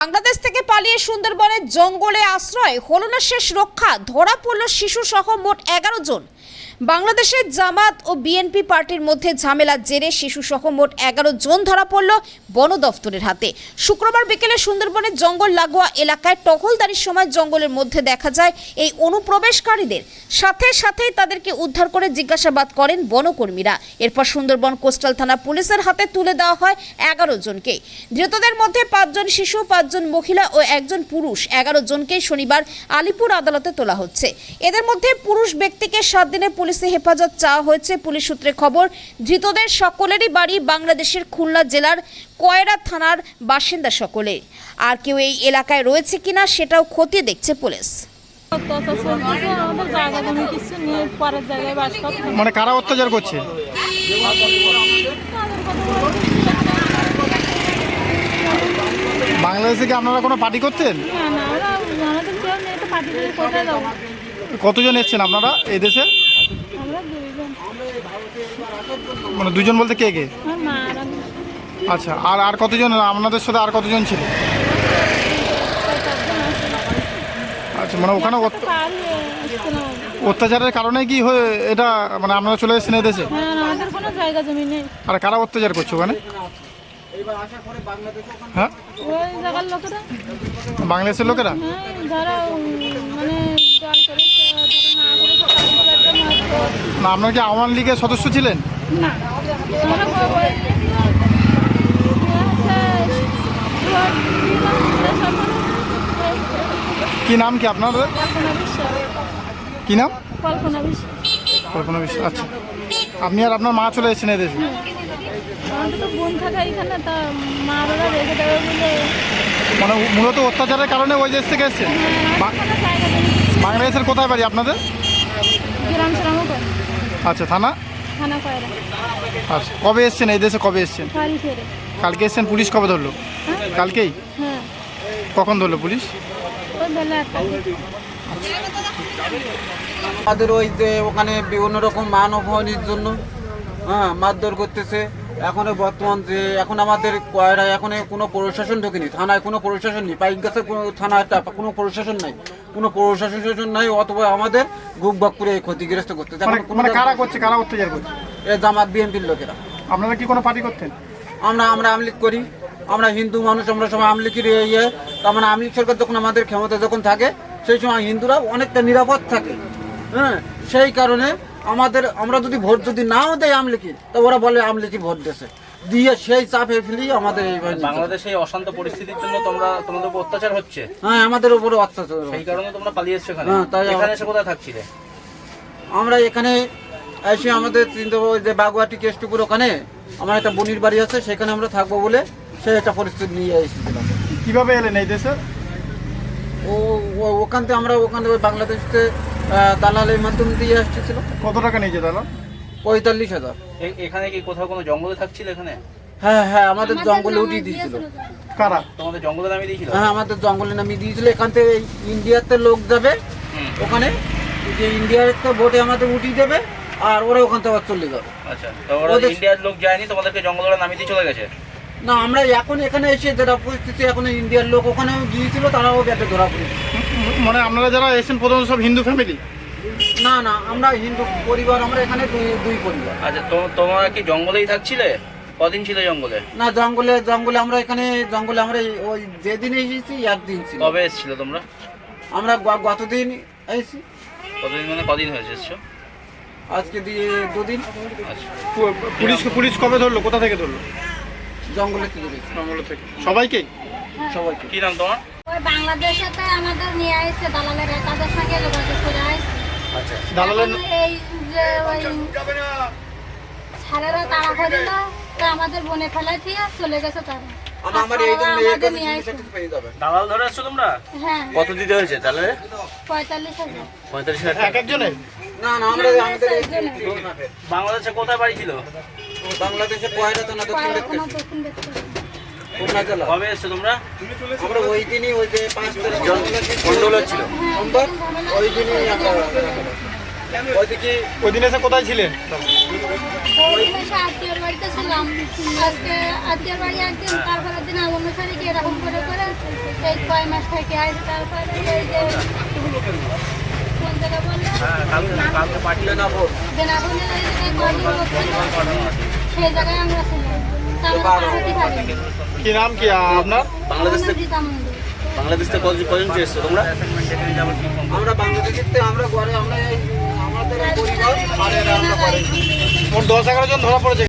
বাংলাদেশ থেকে পালিয়ে সুন্দরবনের জঙ্গলে আশ্রয় হলো না শেষ রক্ষা, ধরা পড়ল শিশু সহ মোট 11 জন। বাংলাদেশের জামাত ও বিএনপি পার্টির মধ্যে ঝামেলার জেরে শিশু সহ মোট 11 জন ধরা পড়ল বন দফতরের হাতে। শুক্রবার বিকেলে সুন্দরবনের জঙ্গল লাগোয়া এলাকায় টহলদারির সময় জঙ্গলের মধ্যে দেখা যায় এই অনুপ্রবেশকারীদের। সাথে সাথেই তাদেরকে উদ্ধার করে জিজ্ঞাসাবাদ করেন বনকর্মীরা। এরপর সুন্দরবন কোস্টাল থানা পুলিশের হাতে তুলে দেওয়া হয় 11 জনকে। ধৃতদের মধ্যে 5 জন শিশু, 5 জন মহিলা ও 1 জন পুরুষ। 11 জনকেই শনিবার আলিপুর আদালতে তোলা হচ্ছে। এদের মধ্যে পুরুষ ব্যক্তিকে 7 দিনের পুলিশে হেফাজত চাওয়া হয়েছে। পুলিশ সূত্রে খবর, ধৃতদের সকলেরই বাড়ি বাংলাদেশের খুলনা জেলার কয়রা থানার বাসিন্দা সকলে। আর কেউ এই এলাকায় রয়েছে কিনা সেটাও খতিয়ে দেখছে পুলিশ। মানে কারা অত্যাচার করছে? বাংলাদেশে কি আপনারা কোনো পার্টি করতেন? কতজন এসছেন আপনারা এই দেশে? মানে দুজন বলতে কে কে? আচ্ছা, আর কতজন আপনাদের সাথে আর কতজন ছিল? আচ্ছা, মানে ওখানে অত্যাচারের কারণে কি হয়ে এটা মানে আপনারা চলে এসেছেন এই দেশে? আর কারা অত্যাচার করছে ওখানে? হ্যাঁ, বাংলাদেশের লোকেরা। না, আপনার কি আওয়ামী লীগের সদস্য ছিলেন? কি নাম কি আপনাদের? কি নাম? কল্পনা বিশ্বাস। আচ্ছা, আপনি আর আপনার মা চলে এসেছেন এদেশে? মানে মূলত অত্যাচারের কারণে ওই দেশ থেকে এসেছেন? বাংলাদেশের কোথায় বাড়ি আপনাদের? আচ্ছা, থানা? আচ্ছা, কবে এসছেন এই দেশে? কবে এসছেন? কালকে এসছেন। পুলিশ কবে ধরলো? কালকেই? কখন ধরলো পুলিশ? আমাদের ওই যে ওখানে বিভিন্ন রকম মান অপমানের জন্য মারধর করতেছে। এখন বর্তমান যে এখন আমাদের কয়রায় এখন কোনো প্রশাসন ঢোকেনি, থানায় কোনো প্রশাসন নেই, পাইক গাছের কোনো থানায় কোনো প্রশাসন নাই, কোনো প্রশাসন নাই, অথবা আমাদের গুপ বাক করে ক্ষতিগ্রস্ত করতে। কারা করছে, কারা অত্যাচার করছে? এ জামাত বিএনপির লোকেরা। আপনারা কি কোনো পার্টি করতেন? আমরা আমলিগ করি, আমরা হিন্দু মানুষ, আমরা সবাই আমলিগের ইয়ে। তার মানে আমলিগ সরকার যখন আমাদের ক্ষমতা যখন থাকে সেই সময় হিন্দুরা অনেকটা নিরাপদ থাকে। সেই কারণে আমরা যদি ভোট যদি নাও দেয় আমলিগের, তা ওরা বলে আমলিগের ভোট দিয়েছে, দিয়ে সেই চাপে ফেলি আমাদের এই বাংলাদেশে অশান্ত পরিস্থিতির জন্য তোমাদের উপর অত্যাচার হচ্ছে। হ্যাঁ, আমাদের উপরে অত্যাচার, সেই কারণে তোমরা পালিয়ে এসছো এখানে। তাই এখানে এসে কোথায় থাকছিলে? আমরা এখানে এসে আমাদের যে বাগুয়াটি কেষ্টপুর ওখানে আমার একটা বোনির বাড়ি আছে, সেখানে আমরা থাকবো বলে সেই একটা পরিস্থিতি নিয়ে এসেছিলাম। কিভাবে এলেন এই দেশে? ওখান থেকে বাংলাদেশে দালালের মাধ্যমে দিয়ে আসছিল। কত টাকা নিয়েছে দালাল? 45,000। এখানে কি কোথাও কোনো জঙ্গলে থাকছিল এখানে? হ্যাঁ, আমাদের জঙ্গলে উঠিয়ে দিয়েছিল। কারা? তোমাদের জঙ্গলে নামিয়ে দিয়েছিল? হ্যাঁ, আমাদের জঙ্গলে নামিয়ে দিয়েছিল। এখান থেকে ইন্ডিয়াতে লোক যাবে, ওখানে যে ইন্ডিয়ার একটা বোটে আমাদের উঠিয়ে দেবে, আর ওরা ওখান থেকে চলে যাবে। আচ্ছা, তো ওরা ইন্ডিয়ার লোক যায়নি, তোমাদেরকে জঙ্গলে নামিয়ে দিয়ে চলে গেছে? না, আমরা এখন এখানে এসে যেটা পরিস্থিতি, এখন ইন্ডিয়ার লোক ওখানেও গিয়েছিল, তারাও ব্যাটে ধরা পড়েছে। মানে আপনারা যারা এসেছেন প্রথম সব হিন্দু ফ্যামিলি? না, আমরা হিন্দু পরিবার, আমরা এখানে দুই পরিবার। আচ্ছা, তোমরা কি জঙ্গলেই থাকছিলে? কদিন ছিল জঙ্গলে? না, জঙ্গলে আমরা এখানে আমরা ওই যেদিন এসেছি একদিন ছিল। কবে এসেছিল তোমরা? আমরা গতদিন এসেছি। কতদিন মানে কদিন হয়েছে এসছো? আজকে দিয়ে 2 দিন। আচ্ছা, পুলিশ কবে ধরলো? কোথা থেকে ধরলো? জঙ্গলে থেকে। সবাইকে? সবাইকে। কি নাম তোমার? ওই বাংলাদেশেতে আমাদের নিয়ে আসছে দালালেরা, তাদের সঙ্গে যোগাযোগ করে আসছে। আচ্ছা, দালালের এই যে ওই সারেরা তাড়া করিল, তো আমাদের বনে ফেলাই দিয়ে চলে গেছে তারা। দালাল ধরে আসছো তোমরা? হ্যাঁ। কত দিতে হয়েছে তাহলে? 45,000। 45,000 এক একজনের? না, আমরা বাংলাদেশে কোথায় বাড়ি ছিল? বাংলাদেশে কয়রা থানা দক্ষিণ দেখতে। কবে এসছো তোমরা? আমরা ওই দিনই ওই যে 5 তারিখ গন্ডগোল হচ্ছিল, ওই দিনই আমরা ওই দিন এসে কোথায় ছিলেন? ওই দিন এসে আত্মীয়র বাড়িতে ছিলাম। আজকে আত্মীয়র বাড়ি একদিন, তারপরের দিন আমার অনুসারে এরকম করে এই কয় মাস থেকে আসে, তারপরে এই যে কোন জায়গা বললো কালকে পাঠিয়ে নেবো। বেনাবনের এই যে কয়দিন হচ্ছে, সেই জায়গায় আমরা ছিলাম, তা আমরা পাঠাতে পারিনি। কি নাম কি আপনার? বাংলাদেশ থেকে রীতা মন্দির। বাংলাদেশ থেকে কজন এসছো তোমরা? আমরা বাংলাদেশের থেকে আমরা ঘরে আমরা আমাদের পরিবার আর এরা আমরা ঘরে মোট 10-11 জন ধরা পড়েছে।